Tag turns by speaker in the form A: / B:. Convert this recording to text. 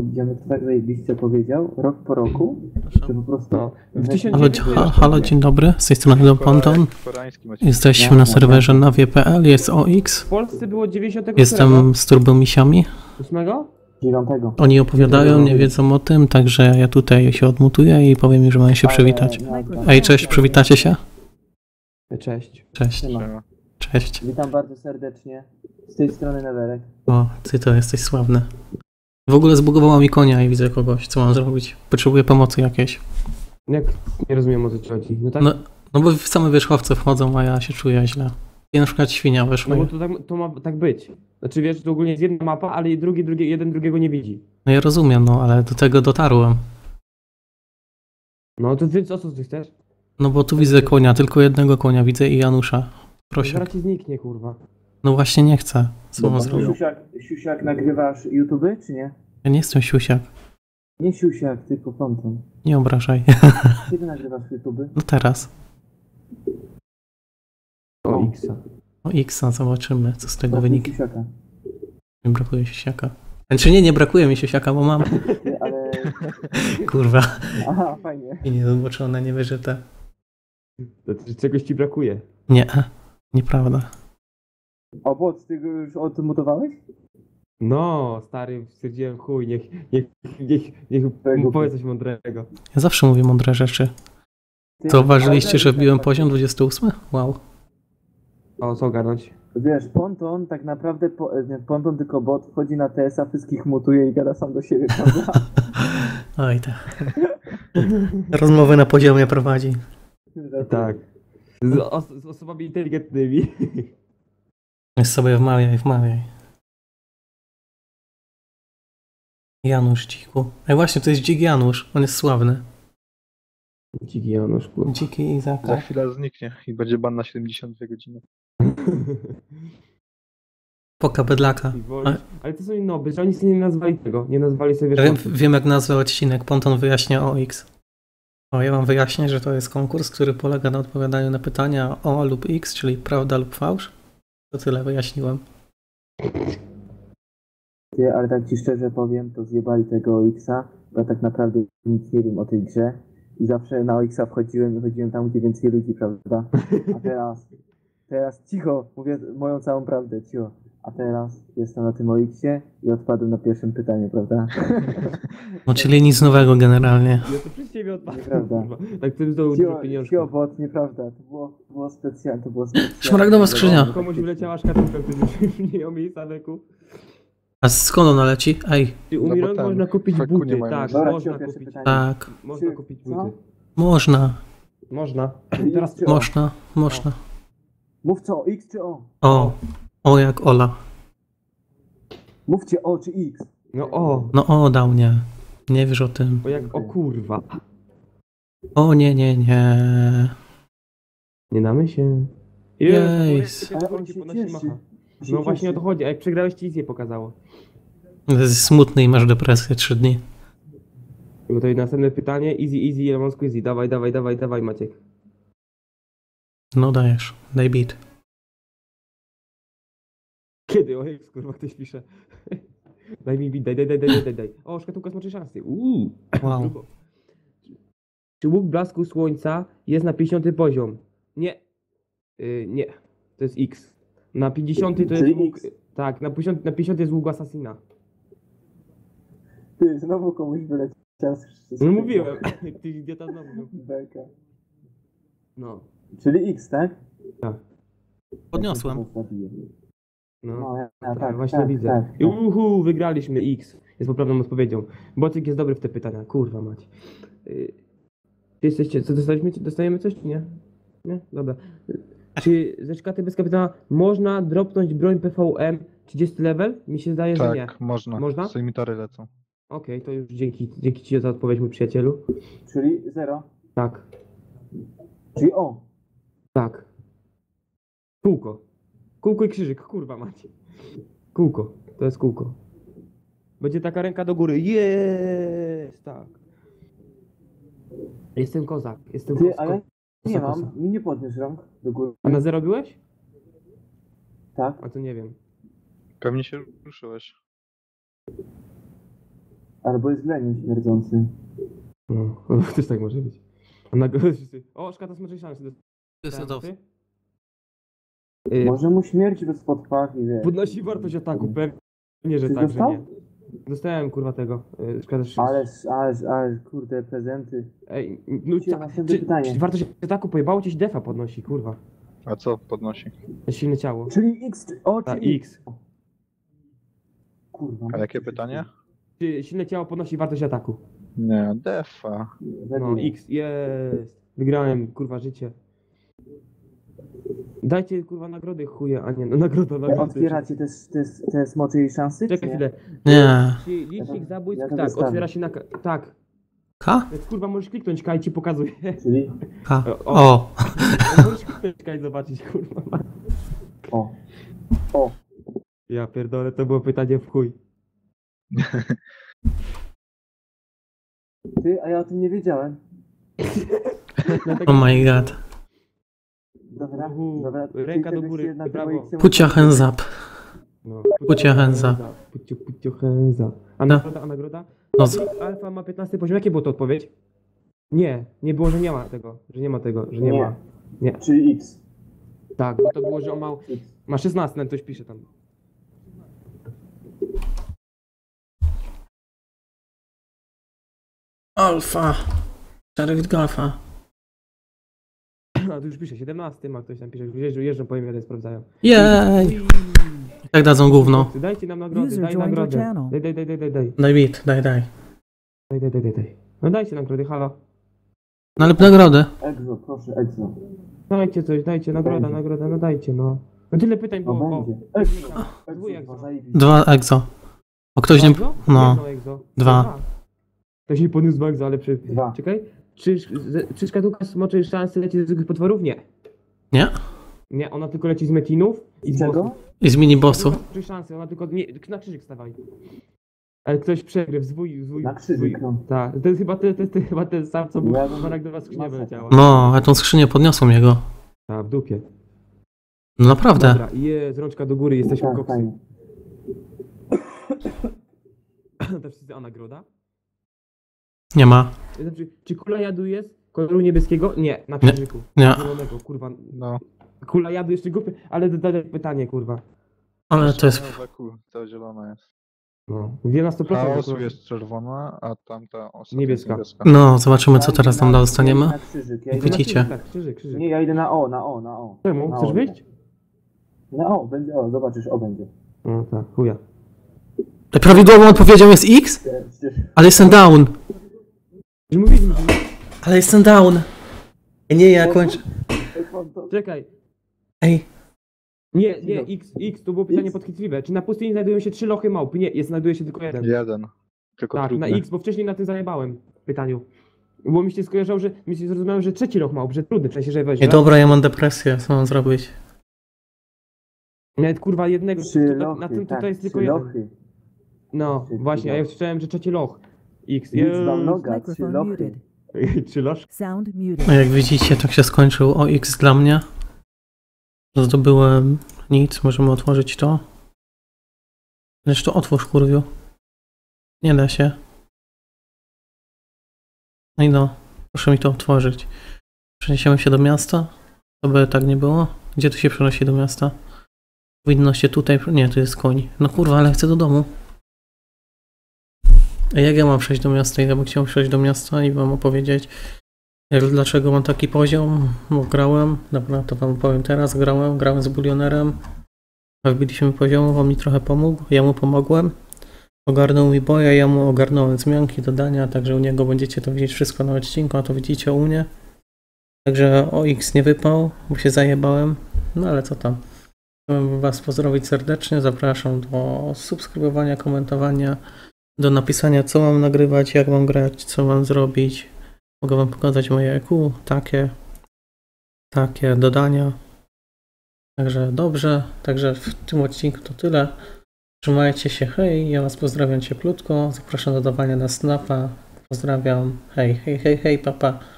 A: Ziomek to tak zajebiście powiedział, rok po roku, że po prostu...
B: No.
C: Halo, dzień dobry, z tej strony Don Ponton. Jesteśmy na serwerze na wie.pl, jest OX.
B: W Polsce było 90.
C: Jestem z turbomisiami.
B: 8?
A: 9.
C: Oni opowiadają, nie wiedzą o tym, także ja tutaj się odmutuję i powiem im, że mają się przywitać. Ej, cześć, przywitacie się?
B: Cześć.
C: Cześć.
A: Siema.
C: Cześć.
A: Witam bardzo serdecznie. Z tej strony Neverek.
C: O, ty to jesteś sławny. W ogóle zbugowało mi konia i widzę kogoś, co mam zrobić? Potrzebuję pomocy jakiejś.
B: Jak nie rozumiem, o co ci chodzi. No tak?
C: No bo same wierzchowce wchodzą, a ja się czuję źle. I na przykład świnia weszła.
B: No bo to ma tak być. Znaczy wiesz, to ogólnie jest jedna mapa, ale jeden drugiego nie widzi.
C: No ja rozumiem, no ale do tego dotarłem.
B: No to więc o co ty chcesz?
C: No bo tu widzę konia, tylko jednego konia widzę i Janusza. Proszę.
B: Zaraz ci zniknie, kurwa.
C: No właśnie nie chcę. Co mam zrobić?
A: Siusiak, nagrywasz YouTube, czy nie?
C: Ja nie jestem siusiak.
A: Nie Siusiak, tylko Ponton.
C: Nie obrażaj.
A: Kiedy nagrywasz YouTube?
C: No teraz.
B: O X-a.
C: O X-a, zobaczymy, co z tego wyniknie.
A: Siusiaka.
C: Nie brakuje siusiaka. Znaczy nie brakuje mi siusiaka, bo mam.
A: Ale...
C: Kurwa.
A: Aha, fajnie.
C: I niedoboczone, niewyżyte.
B: Znaczy, czegoś ci brakuje.
C: Nie, nieprawda.
A: O, bot, ty go już odmutowałeś?
B: No, stary, stwierdziłem chuj, niech mu powie coś mądrego.
C: Ja zawsze mówię mądre rzeczy.
A: Ty-
C: Zauważyliście, że wbiłem
A: tak,
C: poziom 28? Wow.
B: O, co ogarnąć?
A: Wiesz, Ponton tak naprawdę, nie, Ponton tylko bot, wchodzi na TS-a, wszystkich mutuje i gada sam do siebie, prawda?
C: Oj tak. Rozmowy na poziomie prowadzi.
B: Tak. Z osobami inteligentnymi.
C: Jest sobie wmawiaj. Janusz Dziku. Ej właśnie, to jest Dzik Janusz. On jest sławny.
B: Dziki Janusz, kurwa.
C: Dziki
D: Za
C: Izaka.
D: chwilę zniknie i będzie ban na 72 godziny.
C: Poka bydlaka.
B: Ale to są noby, że oni sobie nie nazwali tego. Nie nazwali sobie...
C: Wiem jak nazwał odcinek. Ponton wyjaśnia o X. O, ja wam wyjaśnię, że to jest konkurs, który polega na odpowiadaniu na pytania o lub X, czyli prawda lub fałsz. To tyle wyjaśniłem.
A: Ty, ale tak ci szczerze powiem, to zjebali tego OX-a, bo ja tak naprawdę nic nie wiem o tej grze i zawsze na OX-a wychodziłem tam, gdzie więcej ludzi, prawda? A teraz cicho, mówię moją całą prawdę, cicho. A teraz jestem na tym OX-ie i odpadłem na pierwszym pytaniu, prawda?
C: No czyli nic nowego generalnie.
B: Ja to przez ciebie odpadłem.
A: Nieprawda.
B: Kurwa. Tak tym zdobył dużo pieniążków.
A: Cicho, bot, nieprawda, to było specjalne,
C: Szmaragdowa skrzynia.
B: Komuś wyleciała szkatułka, który już nie miał miejsca weku.
C: A skąd ona leci? Ej,
B: Umierając
D: tam
B: można kupić
D: feku nie
B: buty,
D: mają.
B: tak,
A: Dobra,
B: można
A: cicho, pierwsze
B: kupić.
A: pytanie.
C: tak.
B: Można kupić
A: Co?
B: buty.
C: Można.
B: Można.
A: Czyli
B: Teraz
A: X czy O?
C: Można.
A: Mów co, X czy O?
C: O jak Ola.
A: Mówcie O czy X.
B: no o,
C: No o, dał mnie. Nie wiesz o tym.
B: bo jak o kurwa.
C: O nie.
B: Nie damy się.
C: Jej.
A: Ale on się cieszy.
B: No właśnie o to chodzi, a jak przegrałeś ci nic nie pokazało.
C: Jesteś smutny i masz depresję 3 dni.
B: Bo to jest następne pytanie, easy, Elmonsku easy, dawaj Maciek.
C: No dajesz. Daj beat.
B: Kiedy? O Jezus, kurwa, ktoś pisze. Daj mi beat, daj. O, szkatułka smoczej szansy.
C: Wow.
B: Czy łuk blasku słońca jest na 50 poziom? Nie. Nie. To jest X. Na 50 to jest
A: Czyli
B: łuk...
A: X.
B: Tak, na 50 jest łuk Assassina.
A: Ty, znowu komuś wyleciał.
B: No mówiłem. Ty idiota znowu.
A: Beka.
B: No.
A: Czyli X, tak?
B: Tak.
C: Podniosłem.
B: No.
A: No, ja
B: Tak,
A: tak,
B: właśnie
A: tak,
B: widzę.
A: tak.
B: Wygraliśmy X. Jest poprawną odpowiedzią. Bocyk jest dobry w te pytania. Kurwa mać. Czy jesteście... Co dostaliśmy? Dostajemy coś, czy nie? Nie? Dobra. Czy ze szkaty bez kapitana można dropnąć broń PVM 30 level? Mi się zdaje, że nie.
D: Tak, można.
B: Można?
D: Sejmitory lecą.
B: Okej, to już dzięki ci za odpowiedź, mój przyjacielu.
A: Czyli 0.
B: Tak.
A: Czyli O.
B: Tak. Kółko. Kółko i krzyżyk, kurwa macie. Kółko. To jest kółko. Będzie taka ręka do góry. Jest, tak. Jestem kozak.
A: Ty, ale nie
B: kosa.
A: mam. Mi nie podniósł rąk do góry.
B: A na 0 byłeś?
A: Tak.
B: A to nie wiem.
D: Pewnie się ruszyłeś.
A: Albo jest leniem śmierdzącym.
B: No, też tak może być. O, szkoda smoczej szansy.
A: Może mu śmierć bez podpachy, wiesz.
B: Podnosi wartość ataku, pewnie, że
A: Ty
B: tak, że
A: dostał?
B: nie. Dostałem kurwa tego. Szkoda, że...
A: Ale, kurde, prezenty.
B: Ej, no
A: Cię, następne pytanie.
B: czy wartość ataku pojebało ci się defa podnosi, kurwa.
D: A co podnosi?
B: Silne ciało.
A: Czyli X,
B: Ta
A: czyli
B: X.
A: Kurwa.
D: A jakie pytanie?
B: Czy silne ciało podnosi wartość ataku?
D: Nie, defa.
B: No, X, jest. Wygrałem, kurwa, życie. Dajcie, kurwa, nagrody chuje, a nie, no nagroda.
A: Otwieracie te smoczej szansy?
B: Czekaj
A: czy
B: chwilę.
C: Nie.
B: Czy licznik zabójstw,
A: ja to
B: tak,
A: wystawię.
B: otwiera się na... Tak.
C: K?
B: Więc, kurwa, możesz kliknąć K i ci pokazuje.
A: Czyli?
C: K.
B: O.
C: O.
B: Możesz kliknąć K i zobaczyć, kurwa.
A: O.
B: Ja pierdolę, to było pytanie w chuj.
A: Ty, a ja o tym nie wiedziałem.
B: Dlatego-
C: Oh my god.
A: Dobra,
B: Uhu,
A: dobra.
B: ręka do
A: Czyli
B: góry,
A: tegoś się na
B: brawo.
A: tego X-em-
C: Put your hands up.
B: No.
C: Put your hands up.
B: Put your hands up. A nagroda?
C: No,
B: Alfa ma 15 poziom. Jakie było to odpowiedź? Nie było, że nie ma tego. Że nie ma tego, że nie
A: Nie.
B: ma. Nie.
A: Czyli X.
B: Tak, bo to było, że on ma 16, nawet ktoś pisze tam.
C: Alfa. Szereg Golfa.
B: A tu już pisze, 17 ma ktoś tam pisze, jeżdżą po imię, sprawdzają.
C: Jej. Tak dadzą gówno.
B: Dajcie nam nagrody,
E: User
B: daj
E: joined your
B: nagrodę.
E: channel.
B: Daj.
C: Daj bit, daj.
B: Daj. No dajcie nagrody, halo.
C: No ale nagrody.
A: Exo, proszę, Exo.
B: Dajcie coś, dajcie, nagroda, no dajcie, no. No tyle pytań
A: O,
B: było.
A: będzie. Exo.
B: Dwój
A: Exo,
B: Exo.
A: zajebiście.
C: 2 exo. O ktoś nie...
B: Exo?
C: No.
B: Jedno Exo.
C: 2.
B: Ktoś nie podniósł 2 Exo, ale
A: 2.
B: Czekaj. Czy szkatułka smoczy szansy leci z zwykłych potworów? Nie.
C: Nie?
B: Nie, ona tylko leci z metinów i
A: Z
B: z
A: czego?
B: bossów.
C: I z minibossów.
B: Szkatułka smoczy szansy, ona tylko nie, na krzyżyk stawaj. Ale ktoś przegryw, zwój.
A: Na krzyżyk, no.
B: Tak, to jest chyba ten sam, co był
A: Ja
B: w do was skrzynia wyleciała.
C: No, a tą skrzynię podniosłem jego.
B: A, w dupie.
C: No naprawdę.
B: Dobra, jest, rączka do góry, jesteśmy
A: Tak,
B: koksy.
A: fajnie.
B: To wszyscy, a nagroda?
C: Nie ma.
B: Znaczy, czy kula jadu jest koloru niebieskiego? Nie, na krzyżyku.
C: Nie.
B: Zielonego, kurwa.
D: No.
B: Kula jadu jeszcze głupie, ale dodaj pytanie, kurwa.
C: Ale to jest...
D: To zielona jest.
B: No, wie na 100%.
D: Chaosu
B: kurwa.
D: jest czerwona, a tamta ostatnia
B: Niebieska.
D: jest niebieska.
C: No, zobaczymy co teraz tam dostaniemy.
A: Na krzyżyk. Ja
C: Jak
A: idę na...
C: widzicie.
B: Tak, krzyżyk.
A: Nie, ja idę na O.
B: Czemu?
A: Na
B: Chcesz
A: O.
B: wyjść?
A: Na O, będzie O, zobaczysz, O będzie.
B: No tak, chuja.
C: Prawidłową odpowiedzią jest X?
A: Przecież...
C: Ale jestem down.
B: Że mówiliśmy, że...
C: Ale jestem down. Nie, ja kończę.
B: Czekaj.
C: Ej,
B: Nie, X, to było pytanie podchwytliwe. Czy na pustyni znajdują się 3 lochy małp? Nie, znajduje się tylko jeden.
D: Jeden. Tylko
B: Tak,
D: trudny.
B: na X, bo wcześniej na tym zajebałem w pytaniu. Bo mi się skojarzało, że mi się zrozumiałem, że trzeci loch małp, że trudny, w sensie, że weź.
C: nie dobra, ja mam depresję, co mam zrobić?
B: Nawet kurwa jednego,
A: Trzy
B: na
A: lochy,
B: tym
A: tak,
B: tutaj jest tylko
A: trzy
B: jeden.
A: lochy.
B: No,
A: Trzy
B: właśnie, a ja
A: lochy.
B: słyszałem, że trzeci loch. X,
A: Nic wam noga, 3
E: Microphone
A: lochy.
E: muted.
B: 3 loż?
E: Sound muted.
C: No jak widzicie, tak się skończył OX dla mnie. Zdobyłem nic, możemy otworzyć to. Lecz to otwórz, kurwiu. Nie da się. No i no, proszę mi to otworzyć. Przeniesiemy się do miasta, aby tak nie było. Gdzie tu się przenosi do miasta? Powinno się tutaj... Nie, tu jest koń. No kurwa, ale chcę do domu. A jak ja mam przejść do miasta? Ja bym chciał przejść do miasta i wam opowiedzieć, dlaczego mam taki poziom, bo grałem, dobra, to wam powiem teraz, grałem z bulionerem, wbiliśmy poziomu, on mi trochę pomógł, ja mu pomogłem, ogarnął mi boja, ja mu ogarnąłem zmianki, dodania, także u niego będziecie to widzieć wszystko na odcinku, a to widzicie u mnie. Także OX nie wypał, bo się zajebałem, no ale co tam. Chciałbym was pozdrowić serdecznie, zapraszam do subskrybowania, komentowania, do napisania co mam nagrywać, jak mam grać, co mam zrobić. Mogę wam pokazać moje EQ, takie dodania. Także dobrze, także w tym odcinku to tyle. Trzymajcie się, hej, ja was pozdrawiam cieplutko, zapraszam do dawania na snapa. Pozdrawiam, hej, papa.